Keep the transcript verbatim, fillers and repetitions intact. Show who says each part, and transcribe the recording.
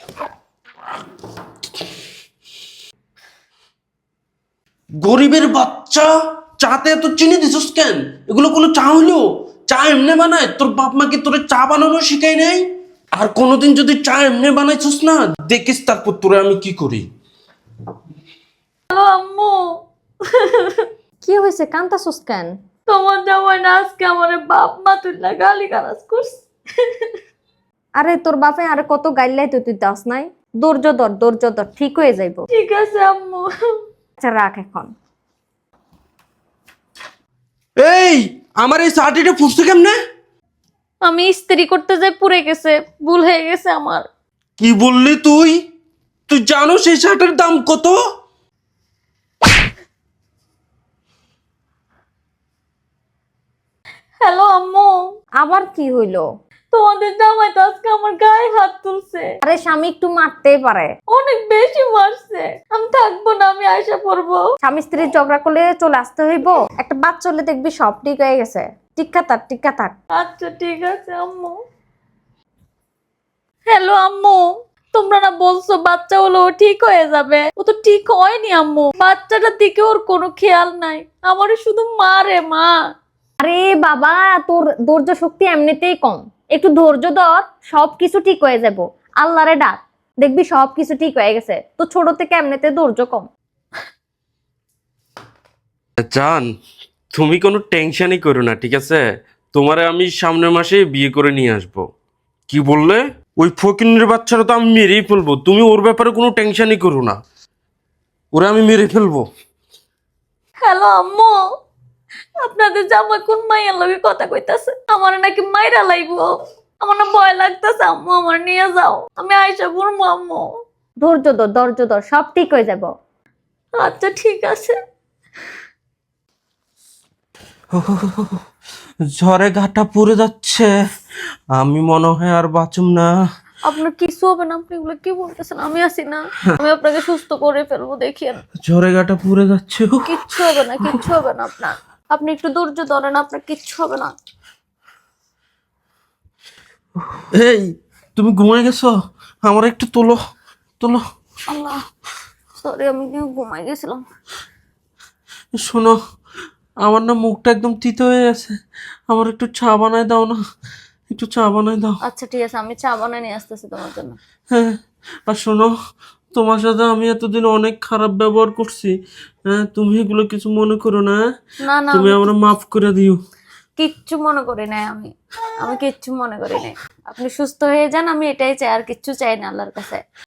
Speaker 1: গরিবের বাচ্চা, চাতে এত চিনি দিছিস কেন? এগুলো কোনো চা হলো? চা এমনি বানায়? তোর বাপ মা কি তোরে চা বানানো শিখাই নাই? আর কোনোদিন যদি চা এমনি বানাইছিস না, দেখিস তারপর তোরে আমি কি করি।
Speaker 2: হ্যালো আম্মু।
Speaker 3: কি হয়েছে, কান্তাছস কেন?
Speaker 2: তোমার জামাই না আজকে আমার বাপ মা তুই গালি গালাজ করছে।
Speaker 3: আরে তোর বাপে আরে কত গাইলাই তো তুই দাস নাই। ধৈর্য ধর, ধৈর্য ধর, ঠিক হয়ে যাইব।
Speaker 2: ঠিক আছে আম্মু।
Speaker 3: আচ্ছা রাখ এখন।
Speaker 1: এই আমার এই চাটিটা ফুসছে কেমনে?
Speaker 2: আমি ইস্ত্রি করতে যাই পুড়ে গেছে, ভুল হয়ে গেছে আমার।
Speaker 1: কি বললি তুই? তুই জানো সেই শার্টের দাম কত?
Speaker 2: হ্যালো আম্মু।
Speaker 3: আবার কি হইলো?
Speaker 2: তোমাদের জামাই তো আজকে আমার গায়ে হাত তুলছে।
Speaker 3: আরে স্বামী একটু মারতেই পারে।
Speaker 2: অনেক বেশি মারছে। আমি থাকবো না, আমি আয়সা পড়বো।
Speaker 3: স্বামী স্ত্রীর ঝগড়া করলে চলে আসতে হইব? একটা বাচ্চা হলে দেখবি সব ঠিক হয়ে গেছে। টিক্কা থাক, টিক্কা থাক।
Speaker 2: আচ্ছা ঠিক আছে আম্মু। হ্যালো আম্মু, তোমরা না বলছো বাচ্চা হলো ও ঠিক হয়ে যাবে? ও তো ঠিক হয়নি আম্মু। বাচ্চাটার দিকে ওর কোনো খেয়াল নাই, আমার শুধু মারে মা।
Speaker 3: আরে বাবা, তোর ধৈর্য শক্তি এমনিতেই কম। একটু ধৈর্য ধর, সবকিছু ঠিক হয়ে যাব। আল্লাহরে ডাক, দেখবি সবকিছু ঠিক হয়ে গেছে। তো ছোট থেকে এমনিতে ধৈর্য কম।
Speaker 1: জান, তুমি কোনো টেনশনই করো না, ঠিক আছে? তোমারে আমি সামনের মাসে বিয়ে করে নিয়ে আসব। কি বললে? ওই ফকিনের বাচ্চারা তো আমি মেরেই ফেলবো। তুমি ওর ব্যাপারে কোনো টেনশনই করো না, ওরা আমি মেরে ফেলবো।
Speaker 2: হ্যালো আম্মু, আপনাদের জামাই কোন মাইয়ার লগে কথা কইতাছে? আমার নাকি মাইরা লাইবো। আমার না ভয় লাগতেছে আম্মু, আমার নিয়ে যাও, আমি আয়সা পড়বো আম্মু।
Speaker 3: ধৈর্য ধর, ধৈর্য ধর, সব ঠিক হয়ে যাব।
Speaker 2: আচ্ছা ঠিক আছে।
Speaker 1: ঝড়ে ঘাটা পুড়ে যাচ্ছে, আমি মনে হয় আর বাঁচুম না।
Speaker 2: আপনার কিছু হবে না, আপনি এগুলো কি বলতেছেন? আমি আছি না, আমি আপনাকে সুস্থ করে ফেলবো, দেখিয়েন।
Speaker 1: ঝড়ে ঘাটা পুড়ে যাচ্ছে।
Speaker 2: কিচ্ছু হবে না, কিচ্ছু হবে না আপনার। আপনি একটু ধৈর্য ধরেন, আপনার কিচ্ছু হবে না।
Speaker 1: এই তুমি ঘুমাই গেছো? আমার একটু তোলো, তোলো।
Speaker 2: আল্লাহ, সরি, আমি কি ঘুমাই গেছিলাম।
Speaker 1: শোনো, আমার না মুখটা একদম তিতো হয়ে গেছে, আমার একটু চা বানায় দাও না, একটু চা বানায় দাও।
Speaker 2: আচ্ছা ঠিক আছে, আমি চা বানিয়ে নিয়ে আসতেছি তোমার জন্য।
Speaker 1: হ্যাঁ, আর শোনো, তোমার সাথে আমি এতদিন অনেক খারাপ ব্যবহার করছি, হ্যাঁ? তুমি এগুলো কিছু মনে করো না, হ্যাঁ?
Speaker 2: না না,
Speaker 1: তুমি
Speaker 2: আমি
Speaker 1: আমরা মাফ করে দিও।
Speaker 2: কিচ্ছু মনে করি নাই, আমি আমি কিচ্ছু মনে করি নাই। আপনি সুস্থ হয়ে যান, আমি এটাই চাই, আর কিচ্ছু চাই না আল্লাহর কাছে।